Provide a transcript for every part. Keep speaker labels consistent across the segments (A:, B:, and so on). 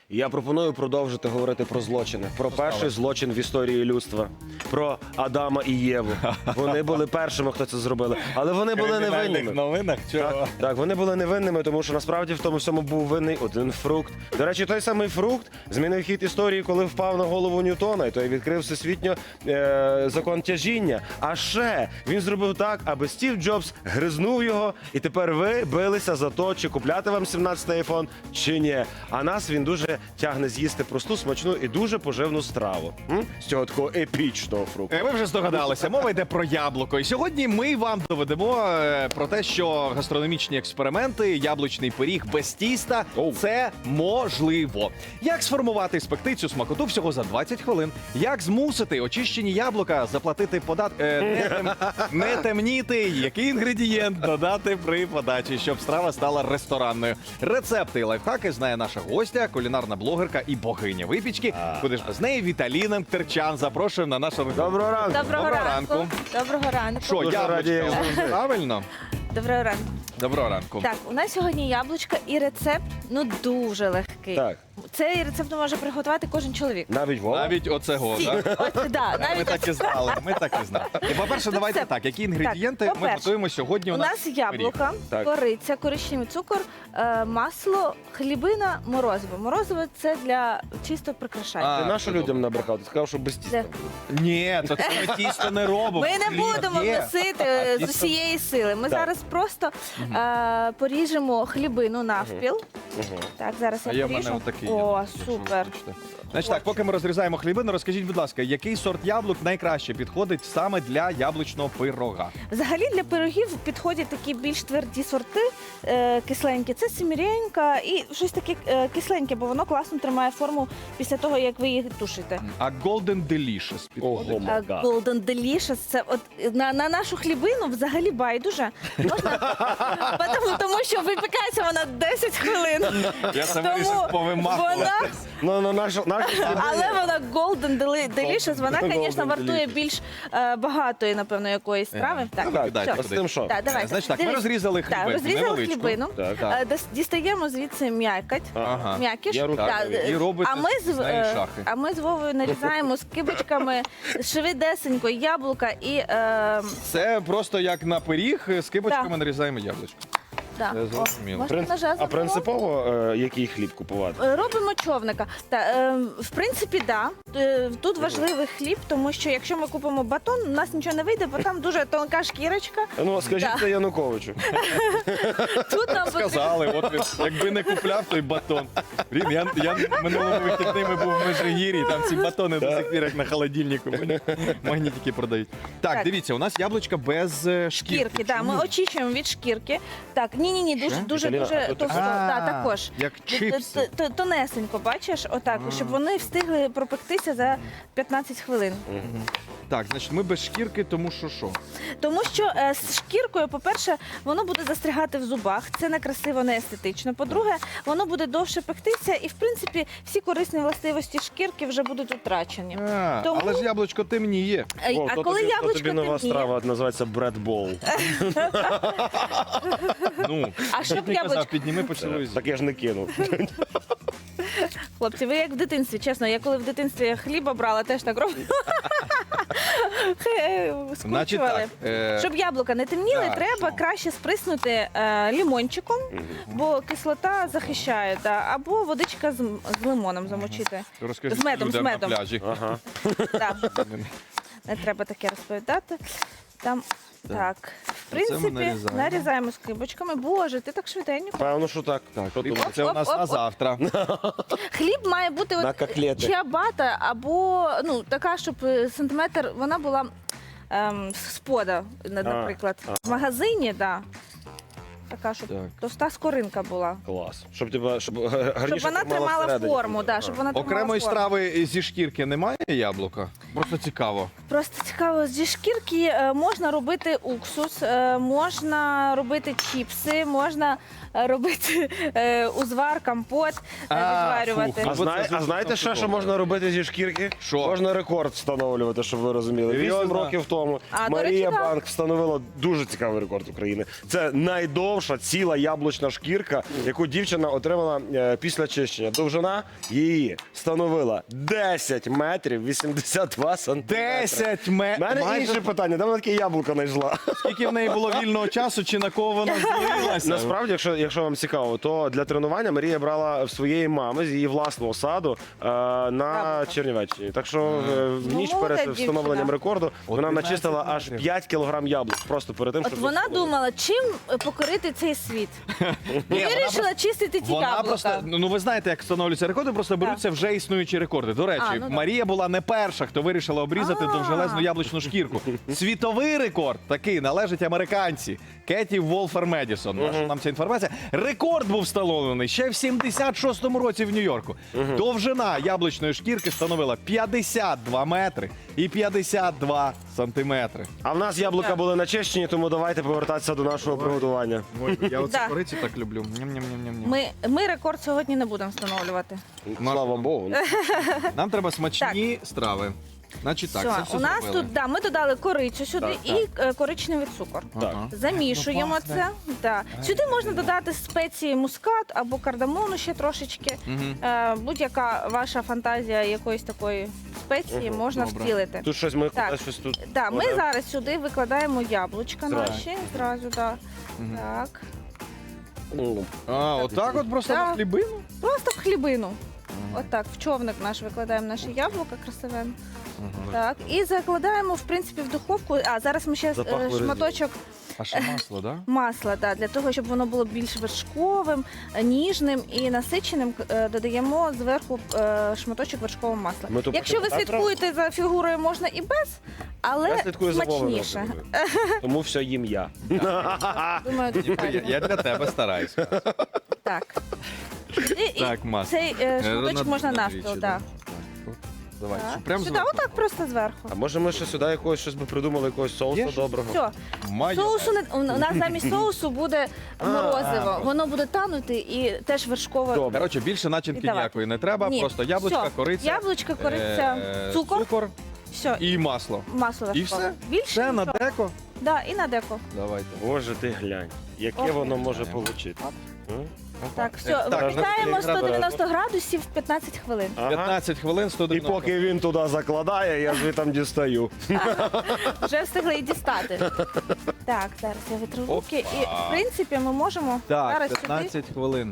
A: І я пропоную продовжити говорити про злочини. Про перший злочин в історії людства. Про Адама і Єву. Вони були першими, хто це зробили. Але вони були невинними.
B: Новинах? Чого?
A: Так, вони були невинними, тому що насправді в тому всьому був винний один фрукт. До речі, той самий фрукт змінив хід історії, коли впав на голову Ньютона, і той відкрив всесвітньо закон тяжіння. А ще він зробив так, аби Стів Джобс гризнув його, і тепер ви билися за то, чи купляти вам 17-й айфон, чи ні. А нас він дуже тягне з'їсти просту, смачну і дуже поживну страву. З цього такого епічного фрукту.
B: Ви вже здогадалися, мова йде про яблуко. І сьогодні ми вам доведемо про те, що гастрономічні експерименти, яблучний пиріг без тіста – це можливо. Як сформувати і спекти цю смакоту всього за 20 хвилин? Як змусити очищені яблука заплатити податки, не темніти, який інгредієнт додати при подачі, щоб страва стала ресторанною. Рецепти і лайфхаки знає наша гостя, кулінарна блогерка і богиня випічки. Куди ж без неї Віталіна Терчан. Запрошуємо на нашу розмову.
A: Доброго ранку!
C: Доброго ранку. Доброго ранку.
B: Що,
A: Дуже раді.
B: яблучко? Правильно?
C: Доброго ранку.
B: Доброго ранку.
C: Так, у нас сьогодні яблучка і рецепт, дуже легкий.
A: Так,
C: Цей рецепт може приготувати кожен чоловік.
A: навіть Вова.
B: Навіть оцего,
C: Всі.
B: так?
C: От, да,
B: Ми
C: навіть
B: так і знали, ми так і знали. І, по-перше, давайте
C: це-
B: так, які інгредієнти
C: Так,
B: ми
C: по-перше,
B: готуємо сьогодні
C: у нас яблука,
A: Так.
C: кориця, коричневий цукор, масло, хлібина, морозиво. Морозиво – це для чисто прикрашання.
A: Ти
B: А,
A: нашу
B: це
A: людям
B: добре.
A: набрехав, ти сказав, що без тіста.
C: Де?
B: Ні, то це ми тісто не робимо.
C: Ми не
B: Хліб
C: будемо
B: є.
C: вносити
B: А
C: з
B: тісто-
C: усієї сили. Ми
A: Так.
C: зараз просто поріжемо хлібину навпіл. Так, зараз
B: А
C: я
B: є в мене
C: поріжу.
B: отакий.
C: О,
B: якщо
C: супер.
B: хочете. Значить так, поки ми розрізаємо хлібину, розкажіть, будь ласка, який сорт яблук найкраще підходить саме для яблучного пирога?
C: Взагалі для пирогів підходять такі більш тверді сорти, кисленькі. Це семіренька і щось таке кисленьке, бо воно класно тримає форму після того, як ви їх тушите.
B: А Golden Delicious підходить?
A: Ого, май гад.
C: Golden Delicious, це от на нашу хлібину взагалі байдуже. Можна? Тому що випікається вона 10 хвилин.
B: Я це
C: Тому
B: вирішив повимахувати.
C: вона,
A: Ну, наша
C: але вона Golden Delicious, вона,
A: Golden
C: звісно, вартує
A: Delicious.
C: більш багатої, напевно, якоїсь страви. Так,
A: Так,
B: Кидайте
C: все.
A: от з тим що?
C: Так, давайте.
B: Значить так, ми
C: Дивись.
B: розрізали
C: Так,
B: хлібину,
C: розрізали
B: невеличку.
C: хлібину.
A: Так.
C: Дістаємо звідси м'якоть.
B: Ага.
C: М'якіш.
A: Я руки
C: Так,
A: мию.
B: І робите з неї шахи.
C: а ми з Вовою нарізаємо скибочками швидесенько яблука і
B: Це просто як на пиріг, з кибочками нарізаємо яблучко.
C: да.
B: Це зрозуміло.
C: Можна ножа
A: А
C: забрати?
A: принципово який хліб купувати?
C: Робимо човника. В принципі, да. Тут важливий хліб, тому що якщо ми купимо батон, у нас нічого не вийде, бо там дуже тонка шкірочка.
A: Ну, скажіть
C: Так.
A: це Януковичу.
C: Тут нам потрібно.
B: Сказали, от він, якби не купляв той батон. Блін, я минулого вихідними був в Межигір'ї, там ці батони до сих пір як на холодильнику. Магнітики продають. Так,
C: Так.
B: дивіться, у нас яблучка без шкірки.
C: Шкірки, так, ми очищуємо від шкірки. Так, ні, дуже
A: Віталіна, а тут
C: товсто, так, також.
B: Як чипси.
C: Тонесенько, бачиш, отак, щоб вони встигли пропектися за 15 хвилин.
B: Так, значить, ми без шкірки, тому що?
C: Тому що з шкіркою, по-перше, воно буде застрягати в зубах, це не красиво, не естетично. По-друге, воно буде довше пектися, і в принципі всі корисні властивості шкірки вже будуть утрачені. Тому-
B: Але ж яблучко темніє.
A: О,
C: А
A: то
C: коли
A: тобі- то
C: яблучко
A: тобі нова
C: темніє,
A: страва називається бредбол.
B: Ну,
C: а щоб
B: ти казав,
C: яблучко,
B: підніми поцілуй.
A: Так я ж не кинув.
C: хлопці, ви як в дитинстві, чесно, я коли в дитинстві хліба брала, теж так робила.
B: Значить
C: Скручували.
B: так,
C: Щоб яблука не темніли,
B: так,
C: треба
B: що?
C: краще сприснути лімончиком, бо кислота захищає, або водичка з лимоном замочити.
B: розкажи
C: з медом,
B: людям
C: з медом.
B: на пляжі.
A: Ага.
C: Так, не треба таке розповідати. Там так, в
B: Оце ми
C: принципі,
B: нарізаємо.
C: нарізаємо скибочками. Боже, ти так швиденько.
A: Певно, що так.
B: Так,
A: Що
B: хліб,
A: думаєш?
B: це у нас
C: Оп,
B: на
C: оп, оп.
B: завтра.
C: Хліб має бути
A: На
C: от
A: котлети.
C: чиабата або така, щоб сантиметр вона була спода, наприклад. В магазині, так. Така, щоб
B: Так.
C: товста скоринка була.
A: Клас. Щоб гарніше
C: Щоб вона тримала
A: всередині.
C: форму, щоб вона тримала
B: Окремої
C: форму.
B: страви зі шкірки немає яблука? Просто цікаво.
C: Просто цікаво, зі шкірки можна робити уксус, можна робити чіпси, можна робити узвар, компот, відварювати.
B: фу.
A: А знаєте ще, що можна робити зі шкірки?
B: Що?
A: Можна рекорд встановлювати, щоб ви розуміли. 8
B: Серйозно?
A: років тому
C: А, до
A: Марія
C: речі, так.
A: Банк встановила дуже цікавий рекорд України. Це найдовша ціла яблучна шкірка, яку дівчина отримала після чищення. Довжина її становила 10 метрів 82 сантиметри.
B: 10
A: У мене інше питання, де вона таке яблуко знайшла?
B: Скільки в неї було вільного часу, чи на кого вона злилася?
A: Насправді, якщо вам цікаво, то для тренування Марія брала в своєї мами з її власного саду на
C: Яблука.
A: Чернівеччині. Так що в ніч
C: Ну,
A: перед
C: молодець
A: встановленням
C: дівчина.
A: рекорду вона
B: 11
A: начистила аж
B: метрів.
A: 5 кілограм яблук. Просто перед тим,
C: От
A: щоб
C: вона
A: встановити.
C: думала, чим покорити цей світ. Вирішила чистити ті
B: Вона
C: яблука.
B: просто, ну ви знаєте, як встановлюються рекорди, просто беруться вже існуючі рекорди. До речі,
C: А, ну да.
B: Марія була не перша, хто вирішила обрізати
C: А.
B: довжелезну яблучну шкірку. Світовий рекорд такий належить американці Кеті Волфер Медісон. Наша нам ця інформація. Рекорд був встановлений ще в 76-му році в Нью-Йорку. Довжина яблучної шкірки становила 52 метри і 52 сантиметри.
A: А в нас яблука
C: Так.
A: були начищені, тому давайте повертатися до нашого приготування.
B: Ой, я оце
C: Да.
B: кориці так люблю. Ням-ням-ням-ням.
C: Ми рекорд сьогодні не будемо встановлювати.
A: Слава Богу.
B: Нам треба смачні страви. Значить так, це все
C: у нас
B: зробили.
C: тут ми додали корицю сюди
A: Так,
C: і коричневий цукор.
A: Так.
B: Ага.
C: Замішуємо
B: Ну,
C: це. Да. Сюди можна додати спеції мускат або кардамону ще трошечки. Будь-яка ваша фантазія якоїсь такої спеції можна
B: Добре.
C: втілити.
A: Тут щось ми
C: Так.
A: щось тут.
C: Да, ми
A: кладемо.
C: зараз сюди викладаємо яблучка
A: Зразу.
C: наші. Зразу, да. Так.
A: Ну,
B: А, отак от просто
C: Так.
B: на хлібину?
C: Просто в хлібину. Отак, в човник наш викладаємо наші яблука красиве. Так, і закладаємо, в принципі, в духовку. А зараз ми ще
A: Запахло
C: шматочок
B: А ще масло, так?
C: масла, да, для того, щоб воно було більш вершковим, ніжним і насиченим, додаємо зверху шматочок вершкового масла.
A: Ми то
C: Якщо ви
A: потім так
C: слідкуєте за фігурою, можна і без, але
A: Я слідкую за Вовою.
C: смачніше.
A: Тому все їм я.
C: Думаю,
B: Я для тебе стараюсь.
C: так. І
B: Так, масло.
C: цей шматочок можна навпіл, так.
B: Давай,
C: Так.
B: що прям
C: Сюди,
B: зверху?
C: отак просто зверху.
A: А може ми ще сюди якогось щось би придумали, якогось соусу
B: Є?
A: доброго?
C: Все.
B: Майонез.
C: Соусу у нас замість соусу буде морозиво. Воно буде танути і теж вершкове.
A: Добре.
B: Коротше, більше начинки
C: Віддавати.
B: ніякої не треба,
C: Ні.
B: просто яблучка,
C: Все.
B: кориця.
C: Яблучка, кориця, цукор.
B: Цукор
C: Все,
B: і масло.
C: масло
B: І
C: вершкове.
B: все?
C: Більше
B: Все на
C: нічого.
B: деко.
C: Да, і на деко.
B: Давайте.
A: Боже, ти глянь, яке
C: Ох,
A: воно може
B: глянемо.
A: получити.
C: Так, все,
B: Так,
C: випікаємо
A: можна
C: 190 градусів 15 хвилин.
A: Ага.
B: 15 хвилин,
A: І
B: 190.
A: поки він туди закладає, я звідти дістаю.
C: Вже встигли і дістати. Так, зараз я витру руки. І, в принципі, ми можемо
B: Так,
C: зараз сюди.
B: 15 хвилин.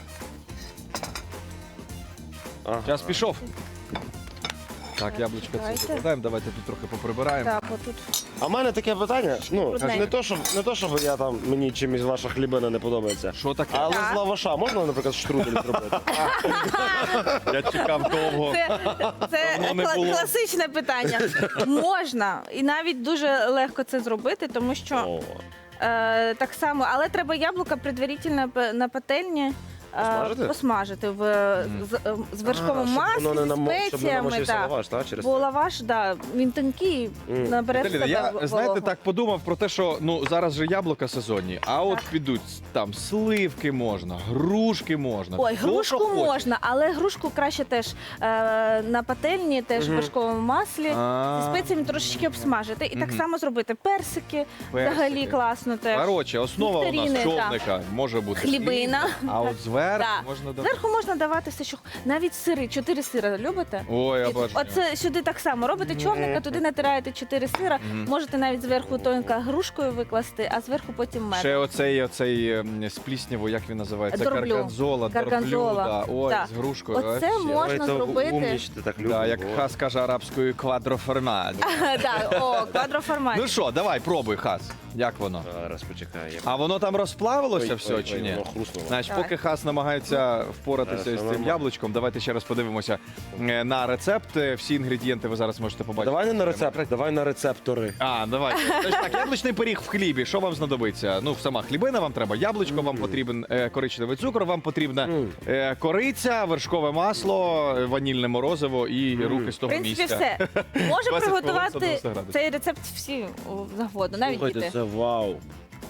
A: Ага.
B: Час пішов. Так, яблучко це
C: Давайте.
B: закладаємо, давайте тут трохи поприбираємо.
C: Так, отут.
A: А в мене таке питання. Ну,
C: Трудненько.
A: не то, щоб я там мені чимось ваша хлібина не подобається.
B: Що таке?
A: Але
C: Так.
A: з лаваша можна, наприклад, штрудель зробити?
B: Я чекав довго.
C: Це
B: Давно не було.
C: класичне питання. Можна. І навіть дуже легко це зробити, тому що
A: О.
C: так само, але треба яблука предварительно на пательні.
A: Посмажити?
C: Посмажити з вершковим
A: А, щоб воно не
C: маслом,
A: намо- щоб не
C: спеціями.
A: намочився
C: Так.
A: лаваш, так? Через
C: Бо
A: це?
C: лаваш, да, він тонкий, набере в
B: Віталіна,
C: себе
B: я,
C: вологу.
B: знаєте, так подумав про те, що ну зараз же яблука сезонні, а от
C: Так.
B: підуть там сливки можна, грушки можна.
C: Ой,
B: хто
C: грушку
B: що хоче.
C: можна, але грушку краще теж на пательні, теж в вершковому маслі.
B: А.
C: Зі спеціями трошечки обсмажити. І так само зробити персики, взагалі
B: Персики.
C: класно теж.
B: Коротше, основа у нас
C: Нектаріни,
B: човника може бути
C: Хлібина.
B: слівка, а от зверху
C: Да.
B: можна додати.
C: Зверху можна давати все, що навіть сири, 4 сира любите?
B: Ой, я
C: І
B: бачу.
C: Оце сюди так само робите човника, туди натираєте 4 сира. Можете навіть зверху тонко грушкою викласти, а зверху потім мед.
B: Ще оцей з плісняву, як він називається?
C: Дорблю.
B: Гарганзола,
C: Гарганзола.
B: дорблю, да. Ой,
C: Так.
B: з грушкою.
C: Оце
B: вообще.
C: можна
A: Ой, то
C: зробити.
A: умнічте, так любимо.
B: Да, як
A: О.
B: Хас каже арабською квадроформат.
C: Так, о, квадроформат.
B: Ну що, давай, пробуй, Хас. Як воно?
A: Зараз почекай.
B: А воно там розплавилося
A: Ой,
B: все
A: ой,
B: чи
A: ой,
B: ні?
A: воно хрустнуло.
B: Значить,
C: Давай.
B: поки Хас намагається впоратися
A: Зараз,
B: з цим
A: нормально.
B: яблучком, давайте ще раз подивимося на рецепт. Всі інгредієнти ви зараз можете побачити.
A: Давай не на рецепт, давай на рецептори.
B: А, давай. Значить, так, яблучний пиріг в хлібі. Що вам знадобиться? Ну, сама хлібина вам треба, яблучко, вам потрібен коричневий цукор, вам потрібна кориця, вершкове масло, ванільне морозиво і руки з
C: В
B: того
C: принципі,
B: місця.
C: все. Може
B: 20 хвилин,
C: приготувати
B: 190 градусів.
C: цей рецепт всі завгодно, навіть
A: Слухайте,
C: діти.
A: це вау.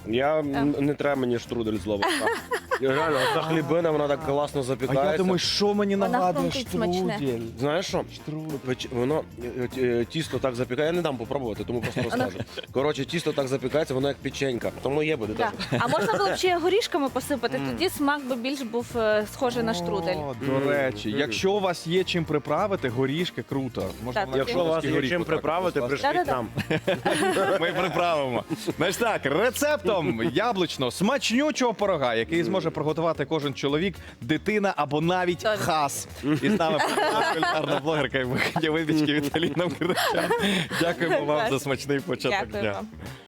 A: Не треба мені штрудель з лаваша. Реально, ця хлібина, вона так класно
B: А
A: запікається.
B: я думаю, що мені
C: Вона
B: нагадує
C: хрумкить смачне.
B: штрудель?
A: Знаєш що? Воно тісто так запікає. Я не дам попробувати, тому просто розкажу. Коротше, тісто так запікається, воно як печенька. Тому є буде
C: Так.
A: теж.
C: А можна було б ще горішками посипати, тоді смак би більш був схожий на штрудель.
B: О, до речі, якщо у вас є чим приправити, горішки круто. Можна
C: Так.
B: навіть
A: Якщо у вас є
B: горішки
A: чим
B: отак
A: приправити,
B: поставити.
A: пришліть
C: Да-да-да.
A: нам.
B: Ми приправимо. Значить так, рецептом яблучно смачнючого пирога, який зможе приготувати кожен чоловік, дитина або навіть
C: Точно.
B: хас. І з нами кулінарна блогерка і випічки Віталіна Киричан. Дякуємо вам за смачний початок
C: Дякую
B: дня.
C: вам.